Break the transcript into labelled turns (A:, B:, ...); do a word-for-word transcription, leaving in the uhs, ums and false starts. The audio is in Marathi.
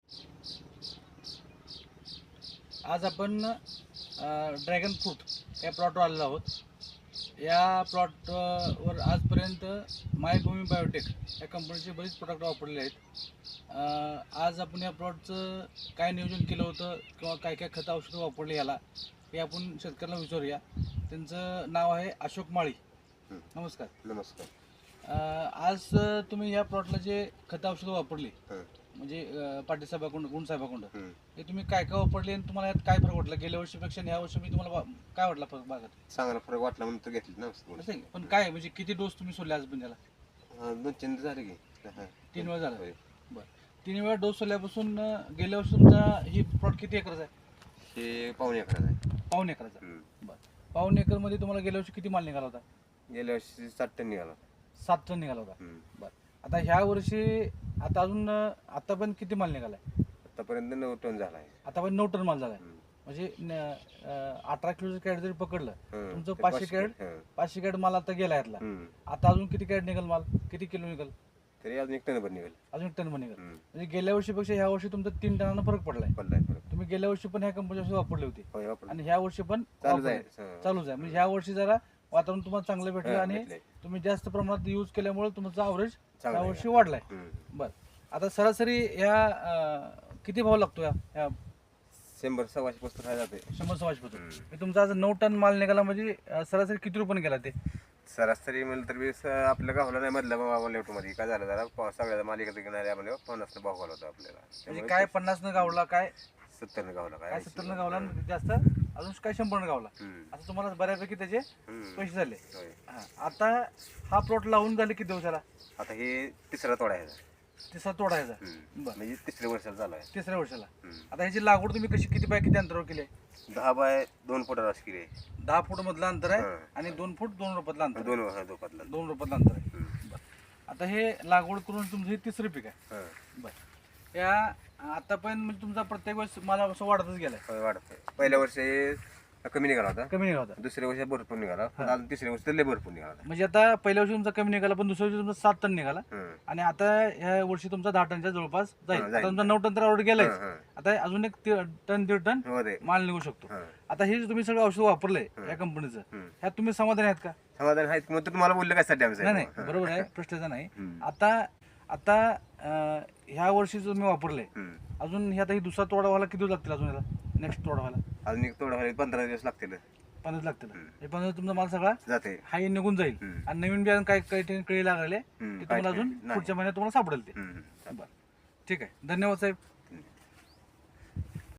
A: आज आपण ड्रॅगन फ्रूट या प्लॉटवर आलेलो आहोत. या प्लॉट वर आजपर्यंत मायभूमी बायोटेक या कंपनीचे बरेच प्रोडक्ट वापरलेले आहेत. अ, आज आपण या प्लॉटचं काय नियोजन केलं होतं किंवा काय काय खतं औषधं वापरली याला हे आपण शेतकऱ्याला विचारूया. त्यांचं नाव आहे अशोक माळी. नमस्कार.
B: नमस्कार.
A: अ, आज तुम्ही या प्लॉटला जे खतं औषधं वापरली म्हणजे अ, पाटील साहेबाकडून गुण साहेबाकडून हे तुम्ही काय काय वापरले आणि तुम्हाला यात काय फरक वाटला? गेल्या वर्षीपेक्षा आणि ह्या वर्षी मी तुम्हाला वा- काय वाटला फरक बागात?
B: चांगला फरक वाटला म्हणून तर घेतली ना.
A: असं आहे का? पण काय म्हणजे किती डोस तुम्ही सोडले आज पण त्याला?
B: हा, दोन तीन झाले की हा.
A: तीन वेळा झाला.
B: होय.
A: बरं. तीन वेळा डोस सोडल्यापासून अ, गेल्या वर्षी तुमचा ही प्लॉट किती एकरचा आहे?
B: हे पाहुणे एकराचं आहे.
A: पाऊण एकरचा.
B: हम्म.
A: बरं. पाऊण एकरमध्ये तुम्हाला गेल्या वर्षी किती माल निघाला होता?
B: गेल्या वर्षी सात टन निघाला.
A: सात टन निघाला होता.
B: हम्म.
A: बरं. आता ह्या वर्षी आता अजून अ, आता पण किती माल निघालाय?
B: आतापर्यंत नऊ टन झाला आहे.
A: आता पण नऊ टन माल झालाय.
B: हम्म.
A: म्हणजे न- अ, अठरा किलोचं कॅरेट जरी पकडलं
B: हं.
A: तुमचं
B: ते
A: पाचशे कॅरेट
B: हं.
A: पाचशे कॅरेट माल आता गेला यातला.
B: हम्म.
A: आता अजून किती कॅरेट निघेल माल? किती किलो निघेल?
B: तरी अजून एक टन भर निघेल.
A: अजून एक टन पण निघेल.
B: हम्म.
A: म्हणजे गेल्या वर्षीपेक्षा ह्या वर्षी तुमचा तीन टनानं फरक पडलाय.
B: पडलाय फरक.
A: तुम्ही गेल्या वर्षी पण ह्या कंपनी औषध वापरले होते
B: होय, वापरलं.
A: आणि ह्या वर्षी पण
B: चालू
A: वापरले.
B: आहे. हं.
A: चालूच आहे. म्हणजे ह्या वर्षी जरा वातावरण तुम्हाला चांगलं भेटलं
B: हं,
A: आणि
B: भेटलंय.
A: तुम्ही जास्त प्रमाणात यूज केल्यामुळे तुमचा अवरेज
B: चांगलं
A: या
B: आहे.
A: वर्षी वाढलाय.
B: हम्म.
A: बरं. आता सरासरी ह्या अं, किती भाव लागतो या ह्या
B: शंभर सव्वाशे पुस्तक आहे जाते.
A: शंभर सव्वाशे पासून?
B: हम्म.
A: तुमचा आज नऊ टन माल निघाला म्हणजे अं, सरासरी किती रुपये गेला ते?
B: सरासरी म्हणलं तर वीस आपल्या गावला नाही मधल्या भावा मध्ये काय झालं जरा प- सगळ्या मालिकेत घेणारे आम्हाला पन्नास भाव गावला होता आपल्याला.
A: म्हणजे
B: त्यामुळे
A: काय पन्नास न गावला, काय
B: सत्तर गावला काय
A: काय
B: ऐंशी.
A: सत्तर न गावला
B: हं.
A: आणि जास्त अजून काय शंभर न गावला.
B: हम्म.
A: असं तुम्हाला बऱ्यापैकी त्याचे
B: हम्म.
A: पैसे झाले.
B: होय.
A: हा. आता हा प्लॉट लावून झाले किती दिवसाला?
B: आता हे तिसरा तोडा आहे.
A: तिसरा तोडायचा.
B: हम्म.
A: बरं.
B: म्हणजे तिसऱ्या वर्षाला चालू आहे.
A: तिसऱ्या वर्षाला.
B: हम्म.
A: आता ह्याची लागवड तुम्ही कशी किती बाय किती अंतरावर केली आहे?
B: दहा बाय दोन फुटा राजकीय आहे.
A: दहा फूट मधलं अंतर आहे
B: हं.
A: आणि दोन फूट दोन रुपयातलं अंतर आहे.
B: दोन हा दोपातला.
A: दोन रुपयातलं अंतर आहे.
B: हम्म.
A: बरं. आता हे लागवड करून तुमचं हे तिसरं पीक आहे.
B: हं.
A: बरं. या आता पण म्हणजे तुमचा प्रत्येक वेळेस मला असं वाढतच गेलाय.
B: होय, वाढतंय. पहिल्या वर्षी कमी निघाला होता.
A: कमी निघाला होता.
B: दुसऱ्या वर्षी भरपूर निघाला. पण अजून तिसऱ्या वर्षी लय भरपूर निघाला होता.
A: म्हणजे आता पहिल्या वर्षी तुमचा कमी निघाला पण दुसऱ्या वर्षी तुमचा सात टन निघाला
B: हं.
A: आणि आता ह्या वर्षी तुमचा दहा टनच्या जवळपास जाईल.
B: हं,
A: आता
B: जाईल.
A: तुमचा नऊ टन तर ऑर्डर गेलाय.
B: हं, हं.
A: आता अजून एक ती- टन दीड टन
B: हो रे.
A: माल निघू शकतो.
B: हं.
A: आता हे जे तुम्ही सगळं औषध वापरलंय
B: हं.
A: या कंपनीचं
B: हं.
A: ह्यात तुम्ही समाधानी आहेत का?
B: समाधान आहे मग तर तुम्हाला बोललं काय साठी आमचं
A: नाही नाही बरोबर आहे, प्रश्नाचा नाही.
B: हं.
A: आता आता अं, ह्या वर्षी जो तुम्ही वापरले
B: हं.
A: अजून हे आता ही दुसरा तोडा व्हायला किती दिवस लागतील अजून याला नेक्स्ट तोडा व्हायला?
B: अजून एक तोडा व्हायला पंधरा दिवस लागतील.
A: पंधरा लागतील.
B: हं.
A: हे पंधरा तुमचा माल सगळा
B: जाते.
A: हाई निघून जाईल
B: हं.
A: आणि नवीन बियाणं काय काही ठिकाणी कळी लागले
B: हं.
A: ते तुम्हाला
B: काय-
A: अजून
B: नाही.
A: पुढच्या महिन्यात तुम्हाला सापडेल ते.
B: हं.
A: बरं. ठीक आहे. धन्यवाद साहेब.